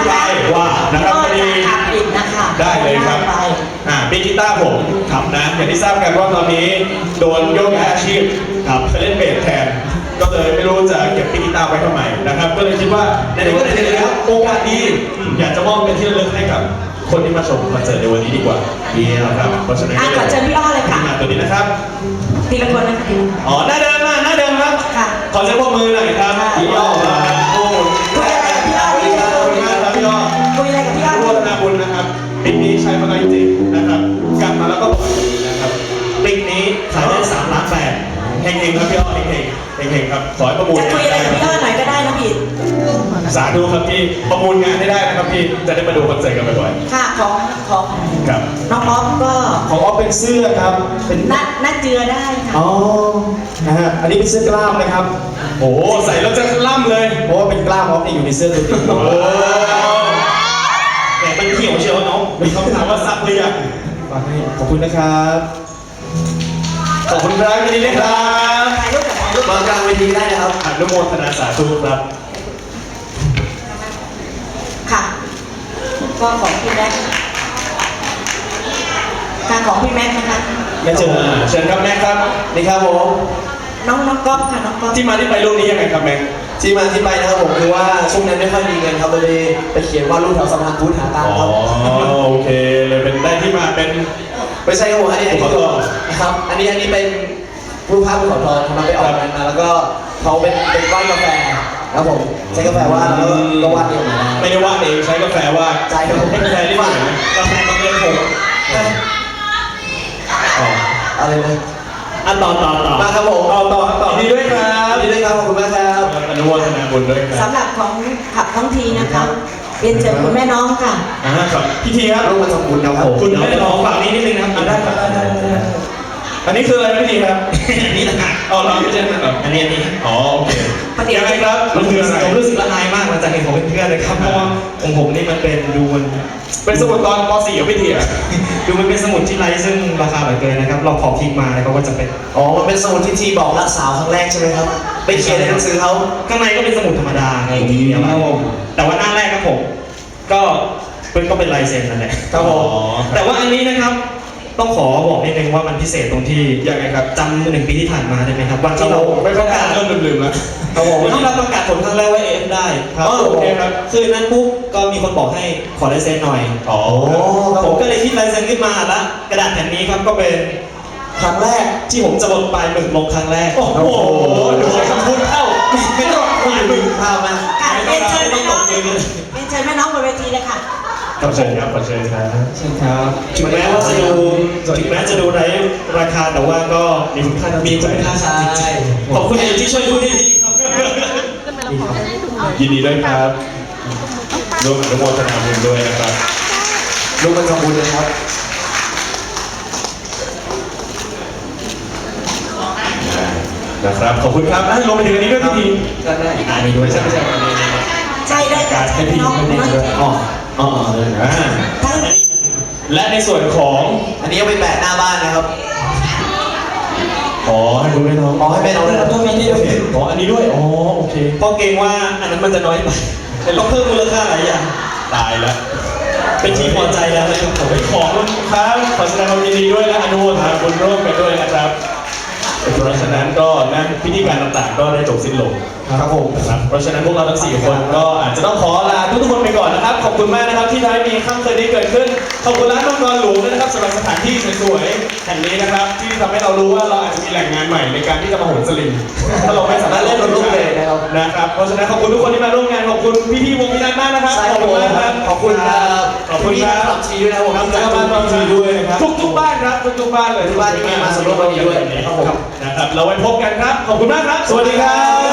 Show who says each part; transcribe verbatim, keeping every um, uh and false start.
Speaker 1: ไปว่านะครับพอดีได้เลยครับอ่าปีกีตาร์ผมครับนะอย่างที่ทราบกันว่าตอนนี้โดนโยกย้ายอาชีพครับไปเล่นเบสแทนก็เลยไม่รู้จะเก็บปีกีตาร์ไว้ทำไมนะครับก็เลยคิดว่าในนี้ก็ไหนๆแล้วโอกาสดีอยากจะมอบเป็นที่ระลึกให้กับคนที่มาชมคอนเสิร์ตในวันนี้ดีกว่าดีนะครับเพราะฉะนั้นก็
Speaker 2: ขอเชิญพี่อ้อเลยค่ะ
Speaker 1: มาตัวนี้นะครับ
Speaker 2: ทีละคนนะคะ
Speaker 1: อ๋อหน้าเดิมมาหน้าเดิมครับ
Speaker 2: ค่ะ
Speaker 1: ขอเสียงปรบมือหน่อยครับพี่อ้อมาครับโอ้โห
Speaker 2: คุยอะไรกับพี่อ้อ
Speaker 1: ขอบคุณมากครับพี่อ้อ
Speaker 2: คุยอะไรกับพี่อ้อ
Speaker 1: ร่วมนาบุญนะครับปีนี้ใช้มาได้จริงนะครับกลับมาแล้วก็บอกนะครับปีนี้ขายได้สามล้านแปดเฮงๆครับพี่อ้อเฮงๆเฮงๆครับขอให้ประมูล
Speaker 2: จะคุยอะไรกับพี่อ้อหน่อยก็ได้นะพี่
Speaker 1: สาธุครับพี่ประมูลงานให้ได้นะครับพี่จะได้มาดูคอนเสิร์ตกันบ่อย
Speaker 2: ค่ะของของ
Speaker 1: ๆครับ
Speaker 2: น้องอ๊อฟก็
Speaker 3: ของออฟเป็นเสื้อครับ เป็น
Speaker 2: นัดนัดเจือได้ค่ะ
Speaker 3: อ๋อ นะฮะ อันนี้เป็นเสื้อกล้ามนะครับ
Speaker 1: โอ้โหใส่แล้วจะล่ำเลย
Speaker 3: เพราะว่าเป็นกล้ามออฟเนี่ยอยู่ในเสื้อตัวจริง
Speaker 1: โอ้แหมมันเขียวเชียวน้องมีคำถามว่าซักหรือยัง
Speaker 3: ฟังให้ขอบคุณนะครับ
Speaker 1: ขอบคุณครับยินดีด้วยครับ
Speaker 2: ถ่ายรูปกับถ่ายรูป
Speaker 1: มากลางเวทีได้นะครับอนุโมทนาสาธุครับ
Speaker 2: ค่ะ ก็ของพี่แม็กซ์การของพี่แม็กซ์นะคะ
Speaker 3: ไม่เจอ
Speaker 1: เชิญครับแม็กครับ
Speaker 3: นี่ครับผม
Speaker 2: น้องน้องก๊อฟค่ะน้องก๊อฟ
Speaker 1: ที่มาที่ไปรูปนี้ยังไงครับแม็ก
Speaker 4: ที่มาที่ไปนะครับผมคือว่าช่วงนั้นไม่ค่อยมีเงินครับเลยไปเขียนวาดรูปแถวสะพานพุทธหาตัง
Speaker 1: อ๋
Speaker 4: ค์
Speaker 1: อ
Speaker 4: ครับ
Speaker 1: โอเคเลยเป็นได้ที่มาเป็น
Speaker 4: ไม่ใช่ครับผมอันนี้อันนี้
Speaker 1: ขอโทษ
Speaker 4: นะครับอันนี้อันนี้เป็นรูปภาพภูเขาทองทำมาไปออกงานมาแล้วก็เขาเป็นเป็นวาดกาแฟครับผมใช้กาแฟวาดแล้วก็วาดเองมา
Speaker 1: ไม่ได้วาดเองใช้กาแฟวาด
Speaker 4: ใช่ครับผม
Speaker 1: กาแฟที่ไหนนะกาแฟบางเอิญผมอ๋อ
Speaker 4: อะไรนะ
Speaker 1: อันต่อต่อต่อ
Speaker 4: มาครับผม
Speaker 1: ต่อต่อต่อยินดีด้วยครับ
Speaker 4: ยินดีด้วยครับขอบคุณมากครับ
Speaker 1: อนุโมทนาบุญด้วยครับ
Speaker 2: สำหรับของขับท้องทีนะคะเรียนเชิญคุณแม่น้องค่ะ
Speaker 1: อ่าครับพี่ทีครับ
Speaker 4: รูปมันสมบูรณ์ครับผม
Speaker 1: คุณแม่น้องฝั่งนี้นิดนึงนะครับอ่าได้ครับได้ได้ได้อันนี้คืออะไรพี่ทีครับอันนี้ต่างหากอ๋อเราไม่ใช่ครับอันนี้อันนี้อ๋อโอเคยังไงครับมันคืออะไร
Speaker 5: ผมรู้สึกละอายมากหลังจากเห็นของเพื่อนๆเลยครับเพราะว่าของผมนี่มันเป็นดูมัน
Speaker 1: เป็นสมุดตอนป .สี่ ของพี่ทีอ่ะ
Speaker 5: ดูมันเป็นสมุดที่ไร้ซึ่งราคาเหลือเกินนะครับเราขอพลิกมาแล้วก็จะเป็น
Speaker 4: อ๋อมันเป็นสมุดที่ทีบอกรักสาวครั้งแรกใช่ไหมครับไปเขียนในหนังสือเขา
Speaker 5: ข้างในก็เป็นสมุดธรรมดาไงทีเดียวครับผมแต่ว่าหน้าแรกครับผมก็เป็นก็เป็นลายเซ็นนั่นแหละ
Speaker 1: ครับผม
Speaker 5: แต่ว่าอันนี้นะครับต้องขอบอกนิดนึงว่ามันพิเศษตรงที่
Speaker 1: ยังไงครับ
Speaker 5: จำหนึ่งปีที่ผ่านมาได้ไหมครับวันที่เรา
Speaker 1: ไม่เข้าการเริ่มลืมๆแล้ว
Speaker 5: ครับผมวันที่เราประกาศผลครั้งแรกว่าเอฟได้
Speaker 1: อ๋อโอเคครับ
Speaker 5: คืนนั้นปุ๊บก็มีคนบอกให้ขอลายเซ็นหน่อย
Speaker 1: อ๋อ
Speaker 5: ผมก็เลยคิดลายเซ็นขึ้นมาแล้วกระดาษแผ่นนี้ครับก็เป็นครั้งแรกที่ผมจะบนปลายหมึกลงครั้งแรก
Speaker 1: โอ้โหดูคำพูดเข้า
Speaker 5: ไม่ต้องปลายหมึก
Speaker 4: ภาพมา
Speaker 2: ค่ะเรียนเชิญแม่น้องเรียนเชิญแม่น้องบนเวทีเลยค่ะ
Speaker 1: ขอเชิญครับขอเชิญครับ
Speaker 5: ใช่ครับถึงแม้ว่าจะดูถึงแม้จะดูไร้ราคาแต่ว่าก็มีคุณค่ามีคุณค่าจริงๆขอบคุณที่ช่วยพูดดีๆครับ
Speaker 1: ยินดีด้วยครับร่วมอนุโมทนาบุญด้วยนะครับ
Speaker 4: รูปมันสมบูรณ์เลยครับ
Speaker 1: นะครับขอบคุณครับอ่ะลงไปถึงอันนี้ด้วยพี่ที
Speaker 4: ได้ได้
Speaker 1: อันนี้ด้วยใช่ไหมใช่อันนี้
Speaker 2: ใช่ได้ค่ะ
Speaker 1: ให้
Speaker 2: แม่
Speaker 1: พี่
Speaker 2: น้อง
Speaker 1: ให้พี่
Speaker 2: น้อง
Speaker 1: ด้วยอ๋ออ๋อเลยอ่า
Speaker 2: ทั้ง
Speaker 1: และในส่วนของ
Speaker 4: อันนี้เอาไปแปะหน้าบ้านนะครับ
Speaker 1: อ๋อให้ดูด้วยน้อง
Speaker 4: อ๋อให้แม่น้องด้วยนะ
Speaker 5: ต้องมีนี่ด้วย
Speaker 1: อ๋ออันนี้ด้วยอ๋อโอเค
Speaker 5: เพราะเกรงว่าอันนั้นมันจะน้อยไปต้องเพิ่มมูลค่าหลายอย่าง
Speaker 1: ตายแล้ว
Speaker 5: เป็นที่พอใจแล้วนะครับผม
Speaker 1: ขอบคุณครับขอแสดงความยินดีด้วยและอนุโมทนาบุญร่วมกันด้วยนะครับเพราะฉะนั้นก็นั่นพิธีการต่างๆ ก็ได้จบสิ้นลง
Speaker 4: ครับผม
Speaker 1: นะครับเพราะฉะนั้นพวกเราทั้งสี่คนก็อาจจะต้องขอลาทุกๆคนไปก่อนนะครับ ขอบคุณมากนะครับที่ทำให้มีค่ำคืนนี้เกิดขึ้น ขอบคุณร้านมังกรหลวงด้วยนะครับสำหรับสถานที่สวยๆแห่งนี้นะครับ ที่ทำให้เรารู้ว่าเราอาจจะมีแหล่งงานใหม่ในการที่จะมาโหนสลิงถ้าเราไม่สามารถเล่นรถลูกเลยนะครับนะครับเพราะฉะนั้นขอบคุณทุกคนที่มาร่วมงานขอบคุณพี่ๆวงพินันมากนะครับ
Speaker 4: ใช่
Speaker 1: ขอบคุณมากครับ
Speaker 4: ขอบคุณครับ
Speaker 1: ขอบคุณครับ
Speaker 4: ขอบชีด้วยนะผม
Speaker 1: ครับแล้วก็บ้านบางทีด้วยนะครับทุกๆบ้านครับทุกๆบ้านเลย
Speaker 4: ทุกบ้านที่มีมาสำรวจวันนี้ด้วย
Speaker 1: ครับผมนะครับเราไว้พบกันครับขอบคุณมากครับ สวัสดีครับ